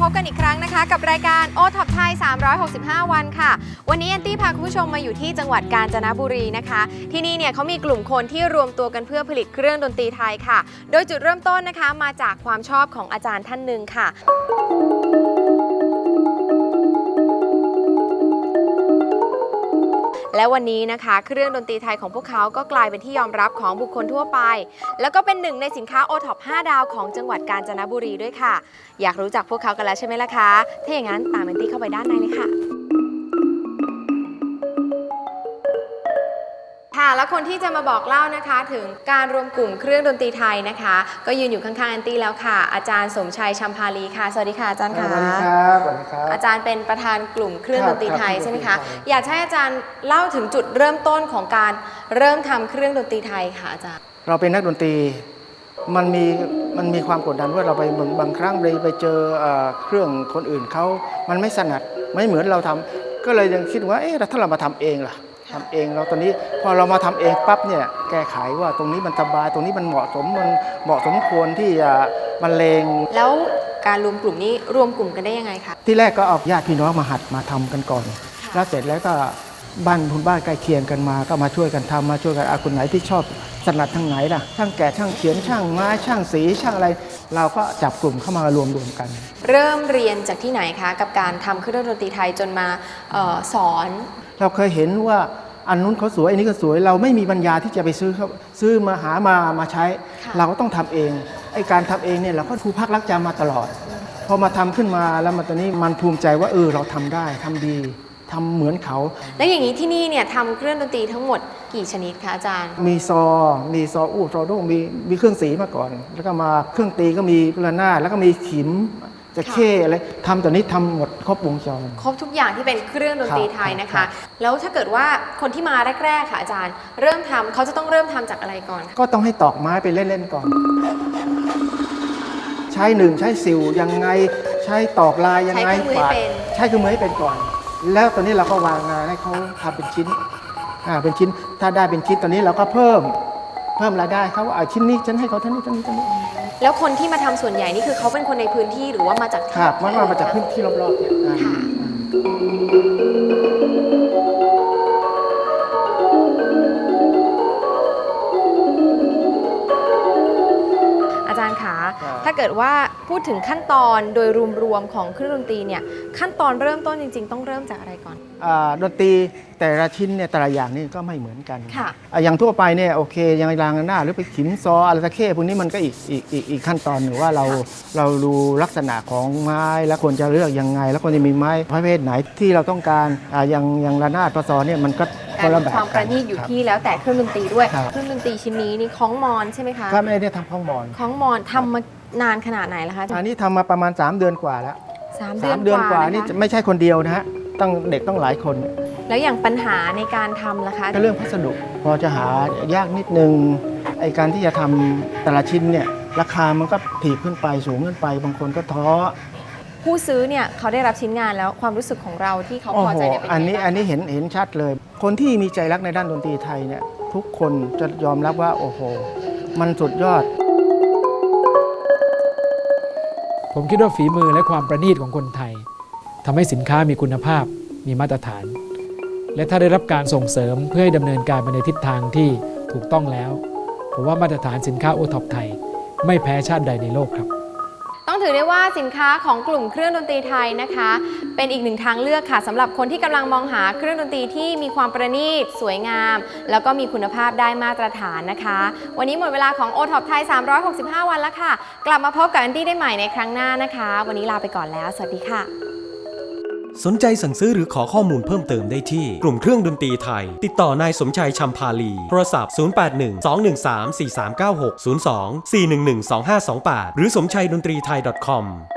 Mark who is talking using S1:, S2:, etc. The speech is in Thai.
S1: บกันอีกครั้งนะคะกับรายการโอท็อปไทย365 วันค่ะวันนี้แอนตี้พาคุณผู้ชมมาอยู่ที่จังหวัดกาญจนบุรีนะคะที่นี่เนี่ยเขามีกลุ่มคนที่รวมตัวกันเพื่อผลิตเครื่องดนตรีไทยค่ะโดยจุดเริ่มต้นนะคะมาจากความชอบของอาจารย์ท่านหนึ่งค่ะและวันนี้นะคะเครื่องดนตรีไทยของพวกเขาก็กลายเป็นที่ยอมรับของบุคคลทั่วไปแล้วก็เป็นหนึ่งในสินค้า O-Top 5 ดาวของจังหวัดกาญจนบุรีด้วยค่ะอยากรู้จักพวกเขากันแล้วใช่ไหมล่ะคะถ้าอย่างนั้นตามแอนตี้เข้าไปด้านในเลยค่ะค่ะแล้วคนที่จะมาบอกเล่านะคะถึงการรวมกลุ่มเครื่องดนตรีไทยนะคะก็ยืนอยู่ข้างๆแอนตี้แล้วค่ะอาจารย์สมชัยชัมพาลีค่ะสวัสดีค่ะอาจารย์ค่ะ
S2: สวัสดีครับสวัสดีครับ
S1: อาจารย์เป็นประธานกลุ่มเครื่องดนตรีไทยใช่ไหมคะอยากให้อาจารย์เล่าถึงจุดเริ่มต้นของการเริ่มทำเครื่องดนตรีไทยค่ะอาจารย์
S2: เราเป็นนักดนตรีมันมีความกดดันว่าเราไปบางครั้งไปเจอเครื่องคนอื่นเขามันไม่ถนัดไม่เหมือนเราทำก็เลยยังคิดว่าถ้าเรามาทำเองล่ะทำเองเราตอนนี้พอเรามาทำเองปั๊บเนี่ยแก้ไขว่าตรงนี้มันสบายตรงนี้มันเหมาะสมควรที่จะบรรเลง
S1: แล้วการรวมกลุ่มนี้รวมกลุ่มกันได้ยังไงคะ
S2: ที่แรกก็เอาญาติพี่น้องมาหัดมาทำกันก่อนแล้วเสร็จแล้วก็บ้านคุณบ้านใกล้เคียงกันมาก็มาช่วยกันทำมาช่วยกันคนไหนที่ชอบถนัดทางไหนล่ะช่างแกะช่างเขียนช่างไม้ช่างสีช่างอะไรเราก็จับกลุ่มเข้ามารวมกัน
S1: เริ่มเรียนจากที่ไหนคะกับการทำเครื่องดนตรีไทยจนมาสอน
S2: เราเคยเห็นว่าอันนู้นเขาสวยอันนี้ก็สวยเราไม่มีปัญญาที่จะไปซื้อมาหามาใช้เราก็ต้องทำเองไอ้การทำเองเนี่ยเราก็ครูพักรักจำมาตลอดพอมาทำขึ้นมาแล้วมาตอนนี้มันภูมิใจว่าเราทำได้ทำดีทำเหมือนเขา
S1: แล้วอย่างนี้ที่นี่เนี่ยทำเครื่องดนตรีทั้งหมดกี่ชนิดคะอาจารย์
S2: มีซออู้ซอโด้งมีเครื่องสีมาก่อนแล้วก็มาเครื่องตีก็มีระนาดแล้วก็มีขิมจะเข้อะไรทำตอนนี้ทำหมดครบวงจร
S1: ครบทุกอย่างที่เป็นเครื่องดนตรีไทยนะคะแล้วถ้าเกิดว่าคนที่มาแรกๆค่ะอาจารย์เริ่มทำเขาจะต้องเริ่มทำจากอะไรก่อน
S2: ก็ต้องให้ตอกไม้ไปเล่นๆก่อนใช้ใช้สิวยังไงใช้ตอกลายยังไงใช้เครื่องมือให้เป็นก่อนแล้วตอนนี้เราก็วางงานให้เขาทำเป็นชิ้นเป็นชิ้นถ้าได้เป็นชิ้นตอนนี้เราก็เพิ่มรายได้เขาว่าชิ้นนี้ฉันให้เขาเท่านี้
S1: แล้วคนที่มาทำส่วนใหญ่นี่คือเขาเป็นคนในพื้นที่หรือว่ามาจาก
S2: ครับมาจากพื้นที่รอบๆเนี่ย
S1: อาจารย์คะถ้าเกิดว่าพูดถึงขั้นตอนโดยรวมๆของเครื่องดนตรีเนี่ยขั้นตอนเริ่มต้นจริงๆต้องเริ่มจากอะไรก่อน
S2: ดนตรีแต่ละชิ้นเนี่ยแต่ละอย่างนี่ก็ไม่เหมือนกัน
S1: ค่ะ
S2: อย่างทั่วไปเนี่ยโอเคยังรางหน้าหรือไปขิมซออะไรตะเข้พวกนี้มันก็อีกขั้นตอนหนึ่งว่าเราดูลักษณะของไม้แล้วควรจะเลือกยังไงแล้วควรจะมีไม้ประเภทไหนที่เราต้องการอย่างระนาดซอเนี่ยมันก็คนละแบบ
S1: ความประณีตอยู่ที่แล้วแต่เครื่องดนตรีด้วยเครื่องดนตรีชิ้นนี้นี่คล้องมอนใช่ไหมคะ
S2: ครับไม่ได้ทำคล้องมอน
S1: ทำมานานขนาดไหนแล้วคะ
S2: อันนี้ทำมาประมาณ3 เดือนกว่าแล้ว
S1: 3 เดือน
S2: กว่านี่ไม่ใช่คนเดียวนะฮะต้องเด็กต้องหลายคน
S1: แล้วอย่างปัญหาในการทำล่ะคะ
S2: ก็เรื่องพัสดุพอจะหายากนิดนึงไอ้การที่จะทำแต่ละชิ้นเนี่ยราคามันก็ถีบขึ้นไปสูงขึ้นไปบางคนก็ท้อ
S1: ผู้ซื้อเนี่ยเขาได้รับชิ้นงานแล้วความรู้สึกของเราที่เขาพอใจเนี่ยเป็น
S2: ไงอันนี้เห็นชัดเลยคนที่มีใจรักในด้านดนตรีไทยเนี่ยทุกคนจะยอมรับว่าโอ้โหมันสุดยอด
S3: ผมคิดว่าฝีมือและความประณีตของคนไทยทำให้สินค้ามีคุณภาพมีมาตรฐานและถ้าได้รับการส่งเสริมเพื่อให้ดำเนินการไปในทิศทางที่ถูกต้องแล้วผมว่ามาตรฐานสินค้าโอท็อปไทยไม่แพ้ชาติใดในโลกครับ
S1: ต้องถือได้ว่าสินค้าของกลุ่มเครื่องดนตรีไทยนะคะเป็นอีกหนึ่งทางเลือกค่ะสำหรับคนที่กำลังมองหาเครื่องดนตรีที่มีความประณีตสวยงามแล้วก็มีคุณภาพได้มาตรฐานนะคะวันนี้หมดเวลาของ O-Top ไทย365 วันแล้วค่ะกลับมาพบกับแอนตี้ได้ใหม่ในครั้งหน้านะคะวันนี้ลาไปก่อนแล้วสวัสดีค่ะ
S4: สนใจสั่งซื้อหรือขอข้อมูลเพิ่มเติมได้ที่กลุ่มเครื่องดนตรีไทยติดต่อนายสมชัยชัมพาลีโทรศัพท์081 213 4396 02 411 2528หรือสมชัยดนตรีไทย .com